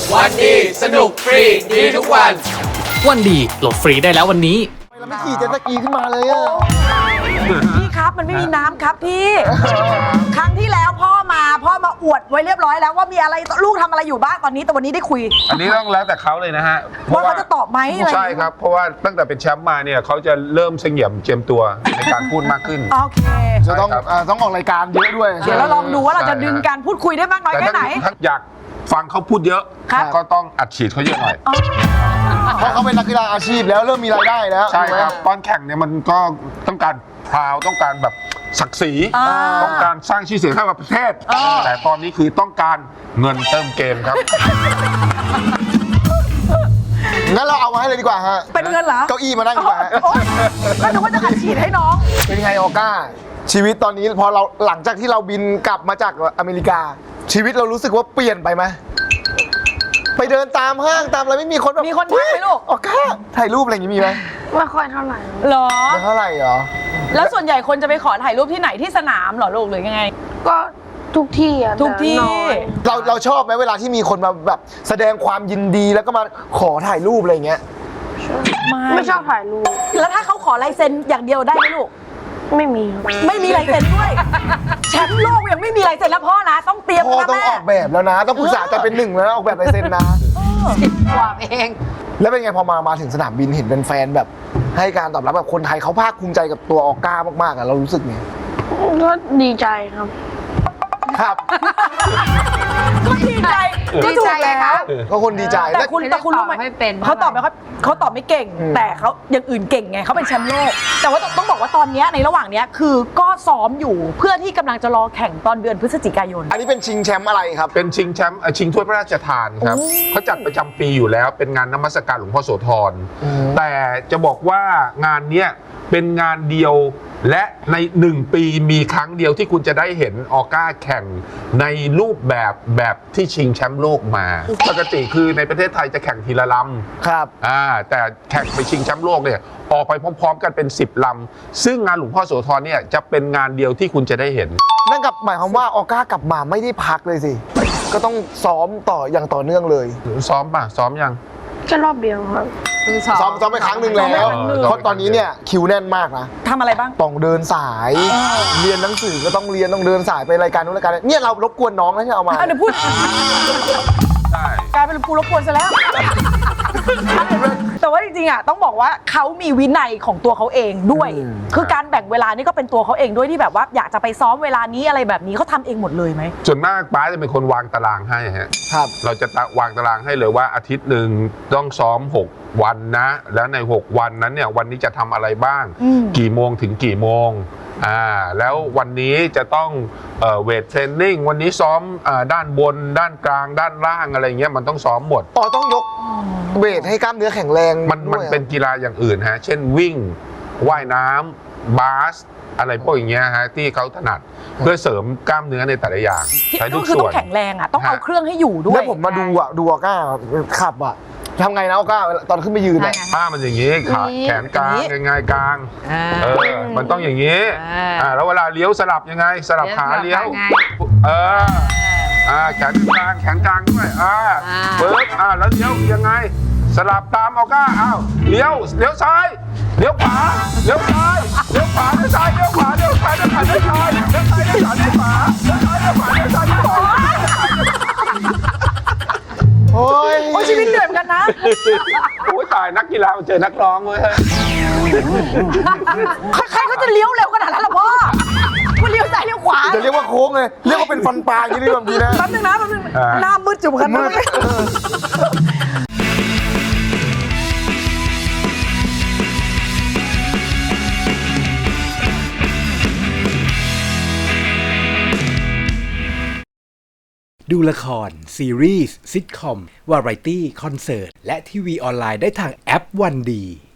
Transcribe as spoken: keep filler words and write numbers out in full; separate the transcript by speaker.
Speaker 1: วันดีสนุกฟรีดีทุกวัน
Speaker 2: วันดีโหลดฟรีได้แล้ววันนี้
Speaker 3: เราไม่ขี่เจ็ตสกีขึ้นมาเลยอะ
Speaker 4: พี่ครับมันไม่มีน้ำครับพี่ ครั้งที่แล้วพ่อมาพ่อมาอวดไว้เรียบร้อยแล้วว่ามีอะไรลูกทำอะไรอยู่บ้างตอนนี้แต่วันนี้ได้คุย
Speaker 5: อันนี้ต้องแล้วแต่เขาเลยนะฮะ
Speaker 4: ว่าเขาจะตอบไหมอะไร
Speaker 5: ใช่ครับเพราะว่าตั้งแต่เป็นแชมป์มาเนี่ยเขาจะเริ่มเสงี่ยมเจียมตัวในการพูดมากขึ้น
Speaker 4: โอเค
Speaker 3: จะต้องต้องออกรายการเยอะด้วย
Speaker 4: เดี๋ยวเราลองดูว่าเราจะดึงการพูดคุยได้มากน้อยแค่ไหน
Speaker 5: ถ้าอยากฟังเขาพูดเยอะก็ต้องอัดฉีดเขาเยอะหน่อย
Speaker 3: เพราะเขาเป็นนักกีฬาอาชีพแล้วเริ่มมีรายได้แล้ว
Speaker 5: ใช่ครับตอนแข่งเนี่ยมันก็ต้องการพราวต้องการแบบศักดิ์ศรีต้องการสร้างชื่อเสียงให้กับประเทศแต่ตอนนี้คือต้องการเงินเติมเกมครับ
Speaker 3: งั้นเราเอามาให้เลยดีกว่าฮะ
Speaker 4: เป็นเงินเหรอ
Speaker 3: เก้าอี้มานั่งดีกว่า
Speaker 4: ก็นึกว่าจะอัดฉีดให้น้อง
Speaker 3: เป็นไงออก้าชีวิตตอนนี้พอเราหลังจากที่เราบินกลับมาจากอเมริกาชีวิตเรารู้สึกว่าเปลี่ยนไปไหมไปเดินตามห้างตามอะไรไม่มีคนแบบ
Speaker 4: มีคนทักไหมลูก
Speaker 3: ออก้าถ่ายรูปอะไรอย่างงี้มีไหม
Speaker 6: ไม่ค่อยเท่าไหร่
Speaker 4: หรอ
Speaker 3: ไม่เท่าไหร่เหรอ
Speaker 4: แล้วส่วนใหญ่คนจะไปขอถ่ายรูปที่ไหนที่สนามเหรอลูกหรือยังไง
Speaker 6: ก็ทุกที่อะ
Speaker 4: ทุกที่
Speaker 3: เราเราชอบไหมเวลาที่มีคนมาแบบแสดงความยินดีแล้วก็มาขอถ่ายรูปอะไรอย่างเงี้ย
Speaker 6: ไม่ไม่ชอบถ่ายรูป
Speaker 4: แล้วถ้าเขาขอลายเซ็นอย่างเดียวได้ไหมลูก
Speaker 6: ไม่มี
Speaker 4: ไม่มีลายเซ็นด้วยแชมป์โลกยังไม่มีลายเซ็นแล้วพ่อนะต้องเตรียม
Speaker 3: พ่อต้องออกแบบแล้วนะต้องปรึกษาจะเป็นหนึ่งแล้วออกแบบลายเซ็นนะ
Speaker 6: สิบกว่าเอง
Speaker 3: แล้วเป็นไงพอมามาถึงสนามบินเห็นเป็นแฟนแบบให้การตอบรับแบบคนไทยเขาภาคภูมิใจกับตัวออก้ามากๆอ่ะเรารู้สึกไง
Speaker 6: ก็ดีใจครับ
Speaker 3: ครับ
Speaker 4: ก็ดีใจก็ถูกแล้ว
Speaker 3: ก็คนดีใจ
Speaker 4: แต่คุณแต่คุณรู้ไหมเขาตอบไม่เขาเขาตอบไม่เก่งแต่เขาอย่างอื่นเก่งไงเขาเป็นแชมป์โลกแต่ว่าต้องบอกว่าตอนนี้ในระหว่างนี้คือก็ซ้อมอยู่เพื่อที่กำลังจะรอแข่งตอนเดือนพฤศจิกายน
Speaker 3: อันนี้เป็นชิงแชมป์อะไรครับ
Speaker 5: เป็นชิงแชมป์ชิงถ้วยพระราชทานครับเขาจัดประจำปีอยู่แล้วเป็นงานนมัสการหลวงพ่อโสธรแต่จะบอกว่างานเนี้ยเป็นงานเดียวและในหนึ่งปีมีครั้งเดียวที่คุณจะได้เห็นออก้าแข่งในรูปแบบแบบที่ชิงแชมป์โลกมาปกติคือในประเทศไทยจะแข่งทีละลำ
Speaker 3: ครับ
Speaker 5: อ่าแต่แข่งไปชิงแชมป์โลกเนี่ยออกไปพร้อมๆกันเป็นสิบลำซึ่งงานหลวงพ่อโสธรเนี่ยจะเป็นงานเดียวที่คุณจะได้เห็น
Speaker 3: นั่นกับหมายความว่าออก้ากลับมาไม่ได้พักเลยสิก็ต้องซ้อมต่ออย่างต่อเนื่องเลย
Speaker 5: ซ้อมป่ะซ้อมยัง
Speaker 6: แค่รอบเดียวครับ
Speaker 3: ซ้อมซ้อมไปครั้งหนึ่งแล้วเพราะตอนนี้เนี่ยคิวแน่นมากนะ
Speaker 4: ทำอะไรบ้าง
Speaker 3: ต้องเดินสายเรียนหนังสือก็ต้องเรียนต้องเดินสายไปรายการนู้นรายการนี้เนี่ยเรารบกวนน้องนะที่เอามา
Speaker 4: เดี๋ยวพูดกลายเป็นกูรบกวนซะแล้วแต่ว่าจริงๆอ่ะต้องบอกว่าเขามีวินัยของตัวเขาเองด้วยคือการแบ่งเวลานี่ก็เป็นตัวเขาเองด้วยที่แบบว่าอยากจะไปซ้อมเวลานี้อะไรแบบนี้เขาทำเองหมดเลยไหม
Speaker 5: ส่วนมากป้าจะเป็นคนวางตารางให้ฮะ
Speaker 3: ครับ
Speaker 5: เราจะวางตารางให้เลยว่าอาทิตย์หนึ่งต้องซ้อมหกวันนะแล้วในหกวันนั้นเนี่ยวันนี้จะทำอะไรบ้างกี่โมงถึงกี่โมงอ่าแล้ววันนี้จะต้องเวทเทรนนิ่งวันนี้ซ้อมด้านบนด้านกลางด้านล่างอะไรเงี้ยมันต้องซ้อมหมด
Speaker 3: อ๋อต้องยกเวทให้กล้ามเนื้อแข็งแรง
Speaker 5: มันมันเป็นกีฬาอย่างอื่นฮะเช่นวิ่งว่ายน้ำบาสอะไรพวกอย่างเงี้ยฮะที่เขาถนัดเพื่อเสริมกล้ามเนื้อในแต่ละอย่าง
Speaker 4: ใช้ทุกส่วนต้องแข็งแรงอ่ะต้องเอาเครื่องให้อยู่ด้วย
Speaker 3: แล้วผมมาดูอ่ะดูออก้าขับอ่ะทำไงนะออก้าตอนขึ้นไปยืนเนี่ย
Speaker 5: ผ้ามันอย่างงี้ขาแขนกลางยังไงกลางเออมันต้องอย่างงี้อ่าแล้วเวลาเลี้ยวสลับยังไงสลับขาเลี้ยวเอออ่าแขนกลางแขนกลางด้วยอ่าเบิร์ดอ่าแล้วเลี้ยวยังไงสลับตามออก้าอ้าวเลี้ยวเลี้ยวซ้ายเลี้ยวขวาเลี้ยวซ้ายเลี้ยวขวาเลี้ยวซ้ายเลี้ยวขวาเลี้ยวซ้ายเลี้ยวขวาเลี้ยวซ้ายเลี้ยวซ้ายเลี้ยวขวาเลี้ยวขวาเลี้ยวซ้ายเลี้ยวขวาเลี้ยวซ้ายเลี้ยวขวา
Speaker 3: โอ้ย
Speaker 4: โอ้ชีวิตเหนื่อยเหมือนกันนะ
Speaker 5: โอ้ยตายนักกีฬาเจอนักร้องเว้ย
Speaker 4: ใครเขาจะเลี้ยวเร็วขนาดนั้นล่ะพ่อคุณเลี้ยวซ้ายเลี้ยวขวา
Speaker 3: จะเรียกว่าโค้งเลยเรียกว่าเป็นฟันปลาอย่างนี้แบบนี้นะ
Speaker 4: แป๊บนึงนะแป๊บนึงหน้ามืดจุ่มกันมืด
Speaker 7: ดูละครซีรีส์ซิทคอมวาไรตี้คอนเสิร์ตและทีวีออนไลน์ได้ทางแอปวันดี